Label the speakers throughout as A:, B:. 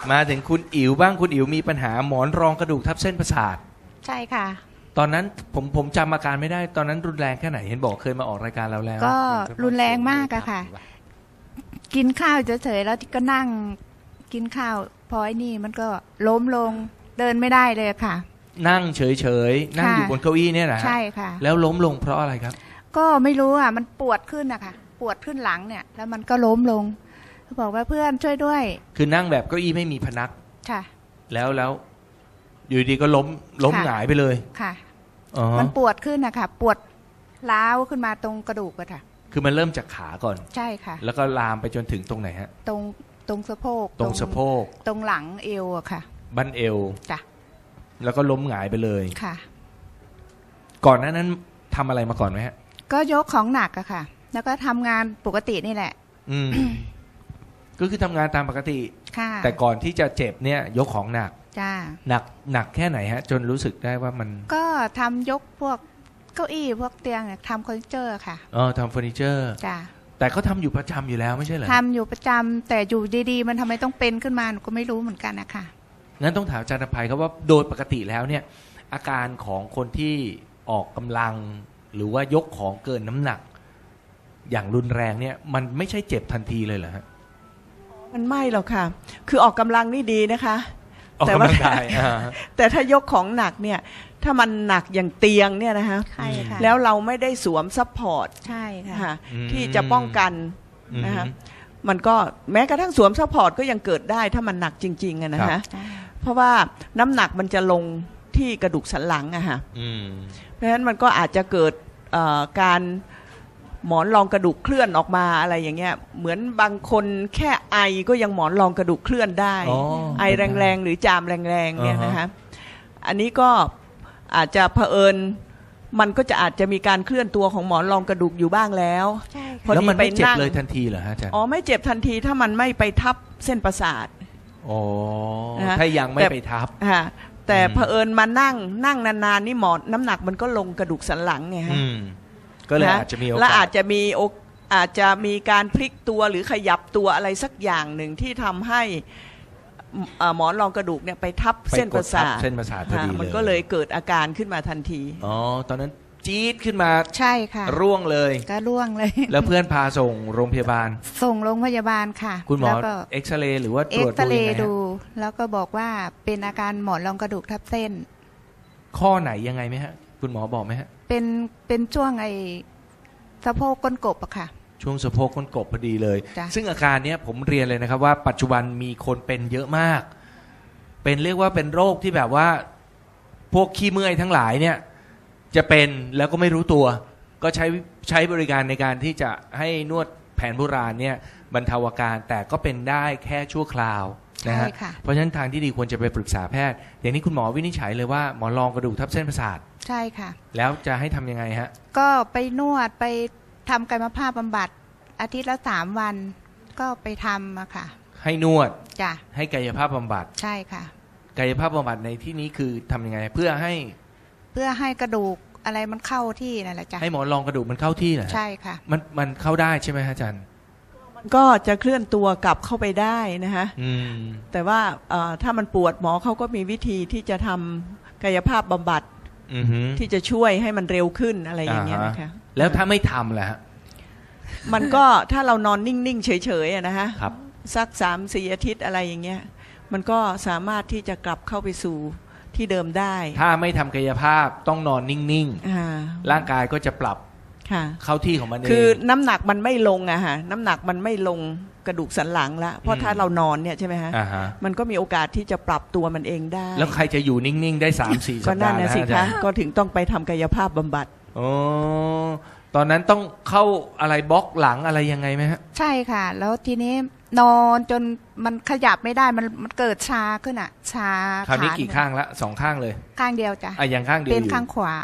A: มาถึงคุณอิ๋วบ้างคุณอิ๋วมีปัญหาหมอนรองกระดูกทับเส้นประสาท
B: ใช่ค่ะ
A: ตอนนั้นผมจำอาการไม่ได้ตอนนั้นรุนแรงแค่ไหนเห็นบอกเคยมาออกรายการเราแล้ว
B: ก็รุนแรงมากอะค่ะกินข้าวเฉยๆแล้วก็นั่งกินข้าวพอไอ้นี่มันก็ล้มลงเดินไม่ได้เลยค่ะ
A: นั่งเฉยๆนั่งอยู่บนเก้าอี้เนี่ยนะ
B: ใช่ค่ะ
A: แล้วล้มลงเพราะอะไรครับ
B: ก็ไม่รู้อ่ะมันปวดขึ้นอะค่ะปวดขึ้นหลังเนี่ยแล้วมันก็ล้มลงเขาบอกว่าเพื่อนช่วยด้วย
A: คือนั่งแบบเก้าอี้ไม่มีพนัก
B: ค่ะ
A: แล้วอยู่ดีก็ล้มหงายไปเลย
B: ค่ะมันปวดขึ้นอะค่ะปวดร้าวขึ้นมาตรงกระดูกอะค่ะ
A: คือมันเริ่มจากขาก่อน
B: ใช่ค่ะ
A: แล้วก็ลามไปจนถึงตรงไหนฮะ
B: ตรงสะโพก
A: ตรงสะโพก
B: ตรงหลังเอวอะค่ะ
A: บั้นเอว
B: จ้ะ
A: แล้วก็ล้มหงายไปเลย
B: ค่ะ
A: ก่อนหน้านั้นทำอะไรมาก่อนไหมฮะ
B: ก็ยกของหนักอะค่ะแล้วก็ทำงานปกตินี่แหละ
A: ก็คือทำงานตามปกติ
B: ค่ะ
A: แต่ก่อนที่จะเจ็บเนี่ยยกของหนัก
B: จ้า
A: หนักแค่ไหนฮะจนรู้สึกได้ว่ามัน
B: ก็ทำยกพวกเก้าอี้พวกเตียงทำเฟอร์นิเจอร์ค่ะ
A: ทำเฟอร์นิเจอร์
B: จ้า
A: แต่เขาทำอยู่ประจำอยู่แล้วไม่ใช่เหรอ
B: ทำอยู่ประจำแต่อยู่ดีๆมันทำไมต้องเป็นขึ้นมาหนูก็ไม่รู้เหมือนกันนะคะ
A: งั้นต้องถามอาจารย์อภัยครับว่าโดยปกติแล้วเนี่ยอาการของคนที่ออกกำลังหรือว่ายกของเกินน้ำหนักอย่างรุนแรงเนี่ยมันไม่ใช่เจ็บทันทีเลยเหรอฮะ
C: มันไม่หรอกค่ะคือออกกำลังนี่ดีนะคะ
A: แต่ว่า
C: แต่ถ้ายกของหนักเนี่ยถ้ามันหนักอย่างเตียงเนี่ยนะคะแล้วเราไม่ได้สวมซัพพอร์ต
B: ใช่ค่ะ
C: ที่จะป้องกันนะคะมันก็แม้กระทั่งสวมซัพพอร์ตก็ยังเกิดได้ถ้ามันหนักจริงๆอะนะคะเพราะว่าน้ำหนักมันจะลงที่กระดูกสันหลังอะค่ะเพราะฉะนั้นมันก็อาจจะเกิดการหมอนรองกระดูกเคลื่อนออกมาอะไรอย่างเงี้ยเหมือนบางคนแค่ไอก็ยังหมอนรองกระดูกเคลื่อนได้ไอแรงๆหรือจามแรงๆเนี่ยนะคะอันนี้ก็อาจจะเผอิญมันก็จะอาจจะมีการเคลื่อนตัวของหมอนรองกระดูกอยู่บ้างแล้ว
A: แล้วมันไม่เจ็บเลยทันทีเหรอฮะอาจารย์
C: ไม่เจ็บทันทีถ้ามันไม่ไปทับเส้นประสาท
A: ถ้ายังไม่ไปทับ
C: แต่เผอิญมานั่งนานๆนี่หมอนน้ำหนักมันก็ลงกระดูกสันหลังไงฮะ
A: ก็เลยอาจจะมีโอกาส
C: และอาจจะมีการพลิกตัวหรือขยับตัวอะไรสักอย่างหนึ่งที่ทำให้หมอนรองกระดูกเนี่ยไปทับเส้นประสาท
A: พอดีเลย
C: มันก็เลยเกิดอาการขึ้นมาทันที
A: ตอนนั้นจี๊ดขึ้นมา
B: ใช่ค่ะ
A: ร่วงเลย
B: ก็ร่วงเลย
A: แล้วเพื่อนพาส่งโรงพยาบาล
B: ส่งโรงพยาบาลค่ะ
A: คุณหมอเอ็กซเรย์หรือว่าตรวจ
B: ดูแล้วก็บอกว่าเป็นอาการหมอนรองกระดูกทับเส้น
A: ข้อไหนยังไงไหมฮะคุณหมอบอกไหมฮะ
B: เป็นช่วงสะโพกก้นกบอะค่ะ
A: ช่วงสะโพกก้นกบพอดีเลยซึ่งอาการนี้ผมเรียนเลยนะครับว่าปัจจุบันมีคนเป็นเยอะมากเป็นเรียกว่าเป็นโรคที่แบบว่าพวกขี้เมื่อยทั้งหลายเนี่ยจะเป็นแล้วก็ไม่รู้ตัวก็ใช้บริการในการที่จะให้นวดแผนโบราณเนี่ยบรรเทาอาการแต่ก็เป็นได้แค่ชั่วคราวนะฮะเพราะฉะนั้นทางที่ดีควรจะไปปรึกษาแพทย์อย่างนี้คุณหมอวินิจฉัยเลยว่าหมอนรองกระดูกทับเส้นประสาท
B: ใช่ค่ะ
A: แล้วจะให้ทำยังไงฮะ
B: ก็ไปนวดไปทำกายภาพบำบัดอาทิตย์ละ3 วันก็ไปทำอะค่ะ
A: ให้นวด
B: จ้ะ
A: ให้กายภาพบำบัด
B: ใช่ค่ะ
A: กายภาพบำบัดในที่นี้คือทำยังไงเพื่อให้
B: กระดูกอะไรมันเข้าที่นั่นแหละจ้ะ
A: ให้หมอนรองกระดูกมันเข้าที่นะ
B: ใช่ค่ะ
A: มันเข้าได้ใช่ไหมอาจารย์
C: มันก็จะเคลื่อนตัวกลับเข้าไปได้นะคะแต่ว่าถ้ามันปวดหมอเขาก็มีวิธีที่จะทำกายภาพบำบัดที่จะช่วยให้มันเร็วขึ้นอะไรอย่างเงี้ยนะคะ
A: แล้วถ้าไม่ทำล่ะ
C: มันก็ถ้าเรานอนนิ่งๆเฉยๆนะฮะสัก3-4 อาทิตย์อะไรอย่างเงี้ยมันก็สามารถที่จะกลับเข้าไปสู่ที่เดิมได้
A: ถ้าไม่ทำกายภาพต้องนอนนิ่งๆร่างกายก็จะปรับเข้าที่ของมันเอง
C: คือน้ำหนักมันไม่ลงอะฮะน้ำหนักมันไม่ลงกระดูกสันหลังละเพราะถ้าเรานอนเนี่ยใช่ไหมฮะมันก็มีโอกาสที่จะปรับตัวมันเองได้
A: แล้วใครจะอยู่นิ่งๆได้ 3-4 สัปดาห์
C: ก็นั่นนะสิคะก็ถึงต้องไปทำกายภาพบำบัด
A: ตอนนั้นต้องเข้าอะไรบล็อกหลังอะไรยังไงไหมฮะ
B: ใช่ค่ะแล้วทีนี้นอนจนมันขยับไม่ได้มันเกิดชาขึ้นอ่ะชา
A: คราวนี้กี่ข้างละ2 ข้างเลย
B: ข้างเดียวจ้ะ
A: ยังข้างเดียว
B: เป็นข้างขวา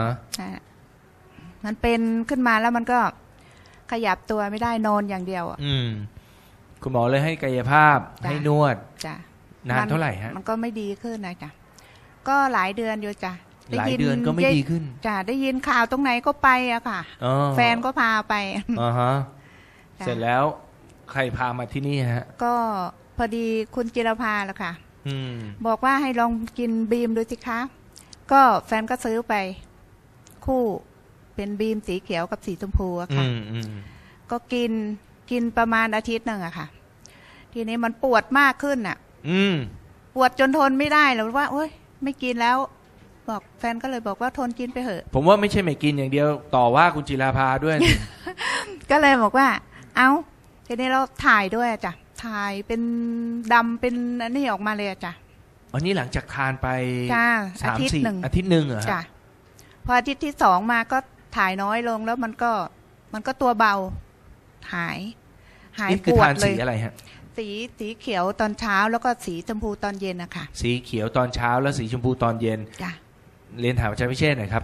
B: มันเป็นขึ้นมาแล้วมันก็ขยับตัวไม่ได้นอนอย่างเดียว
A: คุณหมอเลยให้กายภาพให้นวด
B: จ้ะ
A: นานเท่าไหร่ฮะ
B: มันก็ไม่ดีขึ้นนะจ้ะก็หลายเดือนอยู่จ้ะ
A: หลายเดือนก็ไม่ดีขึ้น
B: จ้ะได้ยินข่าวตรงไหนก็ไปอะค่ะแฟนก็พาไป
A: เสร็จแล้วใครพามาที่นี่ฮะ
B: ก็พอดีคุณจิรภาล่ะค่ะ
A: อืม
B: บอกว่าให้ลองกินบีมดูสิคะก็แฟนก็ซื้อไปคู่เป็นบีมสีเขียวกับสีชมพูอะ
A: อื
B: ค่ะ
A: มอืม
B: ก็กินประมาณอาทิตย์หนึ่งอะค่ะ ทีนี้มันปวดมากขึ้นอะ
A: อืม
B: ปวดจนทนไม่ได้แล้วว่าโอ๊ยไม่กินแล้ว บอกแฟนก็เลยบอกว่าทนกินไปเถอะ
A: ผมว่าไม่ใช่ไม่กินอย่างเดียวต่อว่าคุณจิราภาด้วย
B: ก็เลยบอกว่า เอาทีนี้เราถ่ายด้วยอะจ้ะถ่ายเป็นดำเป็นอันนี้ออกมาเลยอะจ้ะ
A: อันนี้หลังจากทานไป
B: จ้า
A: สาม
B: อาทิตย์
A: สี่
B: หนึ่ง
A: อาทิตย์หนึ่งเหรอฮะ
B: จ้ะพออาทิตย์ที่สองมาก็ถ่ายน้อยลงแล้วมันก็ตัวเบาหาย
A: นี่
B: ป
A: คือ
B: วด
A: ทาน
B: เล
A: สี
B: ย
A: อะไรฮะ
B: สีเขียวตอนเช้าแล้วก็สีชมพูตอนเย็นนะคะ
A: สีเขียวตอนเช้าแล้วสีชมพูตอนเย็น
B: จ้ะ
A: เรียนถามอาจารย์พิเชษฐ์หน่อยครับ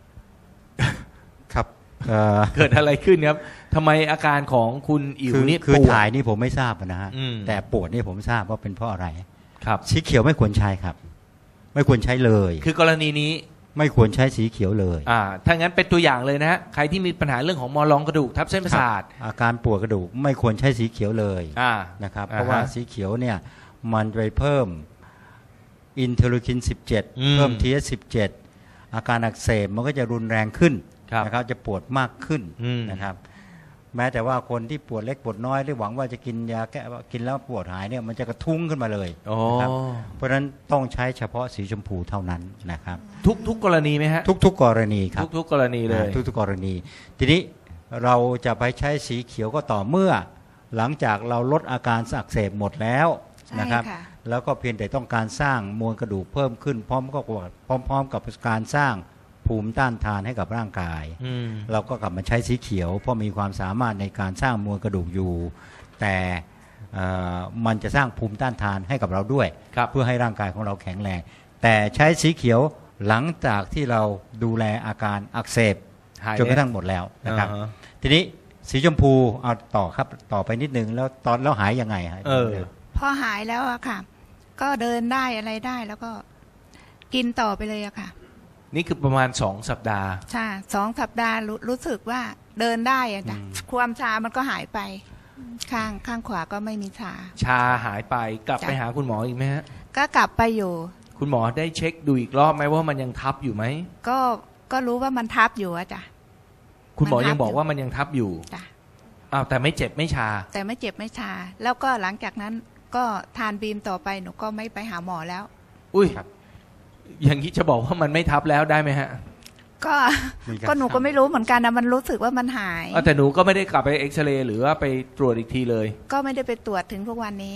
D: ครับ
A: เกิดอะไรขึ้นครับทำไมอาการของคุณอิ๋วนี่
D: คือ
A: ปวด
D: ถ่ายนี่ผมไม่ทราบนะฮะ
A: อืม
D: แต่ปวดนี่ผมทราบว่าเป็นเพราะอะไร
A: ครับ
D: สีเขียวไม่ควรใช้ครับ ไม่ควรใช้เลย
A: คือกรณีนี้
D: ไม่ควรใช้สีเขียวเลย
A: ถ้างั้นเป็นตัวอย่างเลยนะฮะใครที่มีปัญหาเรื่องของมอลองกระดูกทับเส้นประสาท
D: ครับอาการปวดกระดูกไม่ควรใช้สีเขียวเลย
A: อ่า
D: นะครับ
A: อ่าฮะ
D: เพราะว่าสีเขียวเนี่ยมันไปเพิ่มอินเทอร์ลูคิน
A: อืม
D: 17 เพิ่ม TH17 อาการอักเสบมันก็จะรุนแรงขึ้น
A: ครับ
D: นะครับจะปวดมากขึ้น
A: อืม
D: นะครับ แม้แต่ว่าคนที่ปวดเล็กปวดน้อยหรือหวังว่าจะกินยาแก้กินแล้วปวดหายเนี่ยมันจะกระทุ้งขึ้นมาเลย
A: โอ้
D: นะครับเพราะฉะนั้นต้องใช้เฉพาะสีชมพูเท่านั้นนะครับ
A: ทุกกรณีไหมฮะ
D: ทุกๆกรณีครับ
A: ทุกกรณีเลย
D: ทุกๆกรณี ทีนี้เราจะไปใช้สีเขียวก็ต่อเมื่อ หลังจากเราลดอาการอักเสบหมดแล้ว
B: ใช่
D: นะครับ
B: ค่ะ
D: แล้วก็เพียงแต่ต้องการสร้างมวลกระดูกเพิ่มขึ้นพร้อมกับการสร้างภูมิต้านทานให้กับร่างกาย
A: อืม
D: เราก็กลับมาใช้สีเขียวเพราะมีความสามารถในการสร้างมวลกระดูกอยู่ แต่มันจะสร้างภูมิต้านทานให้กับเราด้วย
A: ครับ
D: เพื่อให้ร่างกายของเราแข็งแรงแต่ใช้สีเขียวหลังจากที่เราดูแลอาการอักเสบ
A: หาย
D: จนกระทั่งหมดแล้วนะครับ
A: อ่าฮะ
D: ทีนี้สีชมพูเอาต่อครับต่อไปนิดนึงแล้วหายยังไงฮะ
B: พอหายแล้วอะค่ะ ก็เดินได้อะไรได้แล้วก็กินต่อไปเลยอะค่ะ
A: นี่คือประมาณ2 สัปดาห์
B: ใช่2 สัปดาห์รู้สึกว่าเดินได้อะจ้ะความชามันก็หายไป ข้างขวาก็ไม่มีชา
A: ชาหายไปกลับ
B: จ้ะ
A: ไปหาคุณหมออีกไหมฮะ
B: ก็กลับไปอยู่
A: คุณหมอได้เช็คดูอีกรอบไหมว่ามันยังทับอยู่ไหม
B: ก็รู้ว่ามันทับอยู่อะจ้ะ
A: คุณหมอ
B: มันทับ
A: ยังบอกว่ามันยังทับอยู่
B: จ้ะ
A: อ้าวแต่ไม่เจ็บไม่ชา
B: แต่ไม่เจ็บไม่ชา แล้วก็หลังจากนั้นก็ทานบีมต่อไปหนูก็ไม่ไปหาหมอแล้ว
A: อุ้ยอย่างนี้จะบอกว่ามันไม่ทับแล้วได้ไหมฮะ
B: ก็หนูก็ไม่รู้เหมือนกันนะมันรู้สึกว่ามันหาย
A: แต่หนูก็ไม่ได้กลับไปเอ็กซเรย์หรือว่าไปตรวจอีกทีเลย
B: ก็ไม่ได้ไปตรวจถึงทุกวันนี้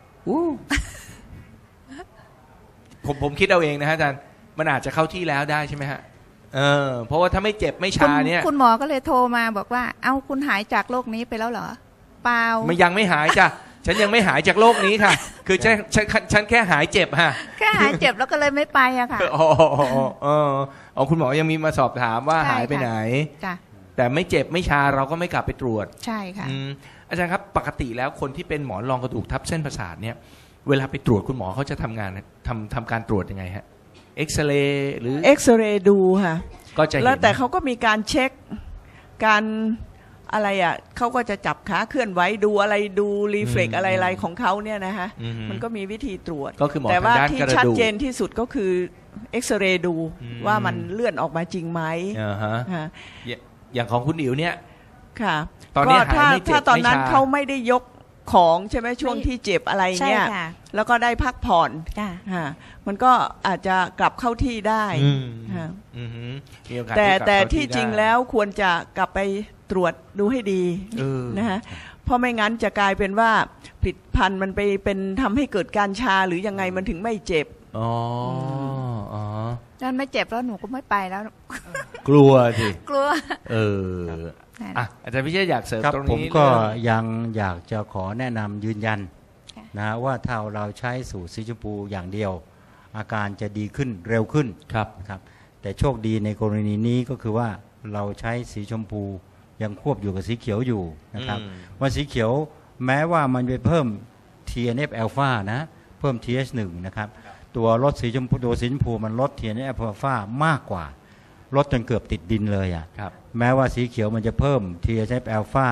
A: ผมคิดเอาเองนะฮะอาจารย์มันอาจจะเข้าที่แล้วได้ใช่ไหมฮะเพราะว่าถ้าไม่เจ็บไม่ชาเนี่ย
B: คุณหมอก็เลยโทรมาบอกว่าเอ้าคุณหายจากโรคนี้ไปแล้วเหรอเปล่า
A: มันยังไม่หายจ้ะฉันยังไม่หายจากโรคนี้ค่ะ คือฉันแค่หายเจ็บฮะ
B: แค่หายเจ็บแล้วก็เลยไม่ไปอะค่ะ
A: อ๋อคุณหมอยังมีมาสอบถามว่า
B: ใช่
A: หายไปไหน
B: จ้ะ
A: แต่ไม่เจ็บไม่ชาเราก็ไม่กลับไปตรวจ
B: ใช่ค่ะ
A: อาจารย์ครับปกติแล้วคนที่เป็นหมอนรองกระดูกทับเส้นประสาทเนี่ยเวลาไปตรวจคุณหมอเขาจะทำงานทำการตรวจยังไงฮะเอ็กซเรย์หรือ
C: เอ็กซเรย์ดูค่ะ
A: ก็จะเห็น
C: แล้วแต่เขาก็มีการเช็คการอะไรอ่ะเขาก็จะจับขาเคลื่อนไหวดูอะไรดูรีเฟล็กอะไรของเขาเนี่ยนะฮะมันก็มีวิธีตรวจ
A: ก็คือหมอ
C: แต่ว่า
A: ทางด้าน
C: ที่
A: กระดูก
C: ชัดเจนที่สุดก็คือเอ็กซเรย์ดูว่ามันเลื่อนออกมาจริงไหม
A: อ่าฮะ
C: ฮะ
A: อย่างของคุณอิ๋วเนี่ย
C: ค่ะ
A: ตอนนี้
C: ก็
A: หายไม่เจ็บ
C: ถ้าตอนนั้น
A: ไม่ชา
C: เขาไม่ได้ยกของใช่ไหมช่วงที่เจ็บอะไร
B: ใช่
C: เนี่ย
B: ค่ะ
C: แล้วก็ได้พักผ่อน
B: จ้ะ
C: ฮะมันก็อาจจะกลับเข้าที่ได้
A: อืม
C: ฮะ
A: อืมมีโอกาส
C: แต่
A: กลับ
C: แต่
A: เข้า
C: ที่จริง
A: ได้
C: แล้วควรจะกลับไปตรวจดูให้ดี นะฮะเพราะไม่งั้นจะกลายเป็นว่าผลิตภัณฑ์มันไปเป็นทำให้เกิดการชาหรือยังไงมันถึงไม่เจ็บ
A: อ๋ออ๋อ
B: นั่นไม่เจ็บแล้วหนูก็ไม่ไปแล้ว
A: กลัวสิ
B: กลัว
A: อ่ะอาจารย์พิเชษอยากเสริม
D: ครับ
A: ตรง
D: ผม
A: นี้
D: ก็
A: เรื่อง
D: ยังอยากจะขอแนะนำยืนยัน
B: ค่ะ
D: นะว่าถ้าเราใช้สูตรสีชมพูอย่างเดียว อาการจะดีขึ้นเร็วขึ้น
A: ครับ
D: นะครับแต่โชคดีในกรณีนี้ก็คือว่าเราใช้สีชมพูยังควบอยู่กับสีเขียวอยู่นะครับว่าสีเขียวแม้ว่ามันไปเพิ่ม TNF อ l p h a นะเพิ่ม TH1 นะครับตัวลดสีชมพูตัวสีชมพูมันลด TNF อ l p h a มากกว่าลดจนเกือบติดดินเลยอ่ะ
A: ครับ
D: แม้ว่าสีเขียวมันจะเพิ่ม TNF อ l p h a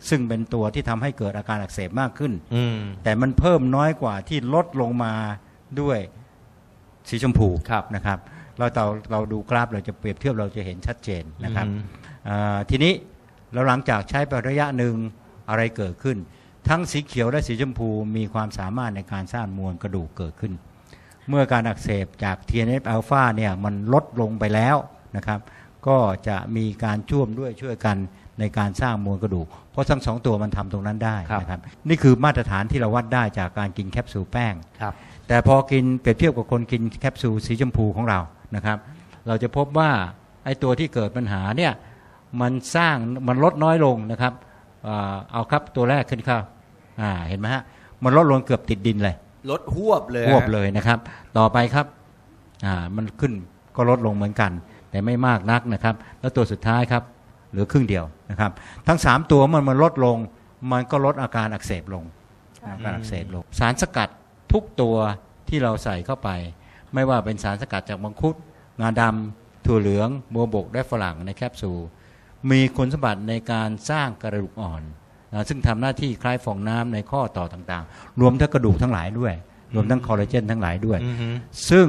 D: ซึ่งเป็นตัวที่ทำให้เกิดอาการอักเสบมากขึ้น
A: อืม
D: แต่มันเพิ่มน้อยกว่าที่ลดลงมาด้วยสีชมพู
A: ครับ
D: นะครับเราดูกราฟเราจะเปรียบเทียบเราจะเห็นชัดเจนนะครับ
A: อืม
D: ทีนี้เราหลังจากใช้ไประยะหนึ่งอะไรเกิดขึ้น ทั้งสีเขียวและสีชมพูมีความสามารถในการสร้างมวลกระดูกเกิดขึ้น เมื่อการอักเสบจาก TNF อัลฟาเนี่ยมันลดลงไปแล้วนะครับก็จะมีการช่วยกันในการสร้างมวลกระดูกเพราะทั้งสองตัวมันทำตรงนั้นได้นะครับนี่คือมาตรฐานที่เราวัดได้จากการกินแคปซูลแป้ง
A: ครับ
D: แต่พอกินเปรียบเทียบกับคนกินแคปซูลสีชมพูของเรานะครับเราจะพบว่าไอ้ตัวที่เกิดปัญหาเนี่ยมันลดน้อยลงนะครับเอาครับตัวแรกขึ้นครับเห็นไหมฮะมันลดลงเกือบติดดินเลย
A: ลดหวบเลย
D: หวบเลยนะครับต่อไปครับมันขึ้นก็ลดลงเหมือนกันแต่ไม่มากนักนะครับแล้วตัวสุดท้ายครับเหลือครึ่งเดียวนะครับทั้ง3ตัวมันลดลงมันก็ลดอาการอักเสบลงสารสกัดทุกตัวที่เราใส่เข้าไปไม่ว่าเป็นสารสกัดจากมังคุดงาดำถั่วเหลืองบัวบกและฝรั่งในแคปซูลมีคุณสมบัติในการสร้างกระดูกอ่อนซึ่งทำหน้าที่คล้ายฟองน้ำในข้อต่อต่างๆรวมทั้งกระดูกทั้งหลายด้วยรวมทั้งคอลลาเจนทั้งหลายด้วยซึ่ง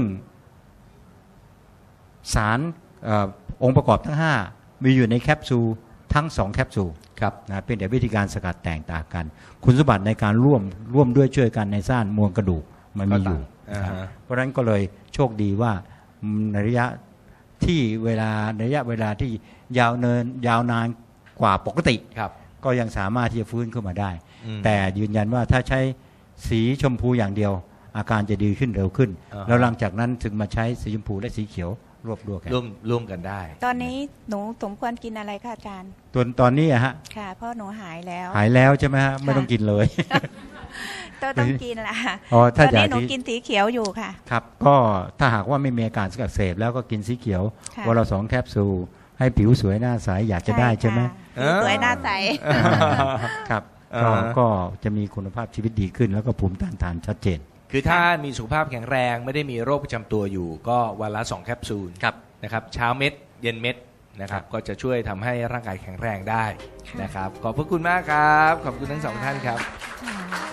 D: สารองค์ประกอบทั้ง5มีอยู่ในแคปซูลทั้ง2แคปซูลเป็นแต่วิธีการสกัดแต่งต่างกันคุณสมบัติในการร่วมด้วยช่วยกันในสร้างมวลกระดูกมันมีอยู่เพราะฉะนั้นก็เลยโชคดีว่าในระยะเวลาที่ยาวนานกว่าปกติก็ยังสามารถที่จะฟื้นขึ้นมาได้แต่ยืนยันว่าถ้าใช้สีชมพูอย่างเดียวอาการจะดีขึ้นเร็วขึ้นแล้วหลังจากนั้นถึงมาใช้สีชมพูและสีเขียวร่วมกันได้
B: ตอนนี้หนูสมควรกินอะไรคะอาจารย์
D: ตอนนี้ฮะ
B: ค่ะเพราะหนูหาย
D: แล้วใช่ไหมฮะไม่ต้องกินเลย
B: ต้องกินละตอนนี้หนูกินสีเขียวอยู่ค่ะ
D: ครับก็ถ้าหากว่าไม่มีอาการอักเสบแล้วก็กินสีเขียววันละ2แคปซูลให้ผิวสวยหน้าใสอยากจะได้ใช่ไหม
B: สวยหน้าใส
D: ครับก็จะมีคุณภาพชีวิตดีขึ้นแล้วก็ภูมิต้านทานชัดเจน
A: คือถ้ามีสุขภาพแข็งแรงไม่ได้มีโรคประจำตัวอยู่ก็วันละ2แคปซูลนะครับเช้าเม็ดเย็นเม็ดนะครับก็จะช่วยทำให้ร่างกายแข็งแรงได้นะครับขอบพระคุณมากครับขอบคุณทั้ง2ท่านครับ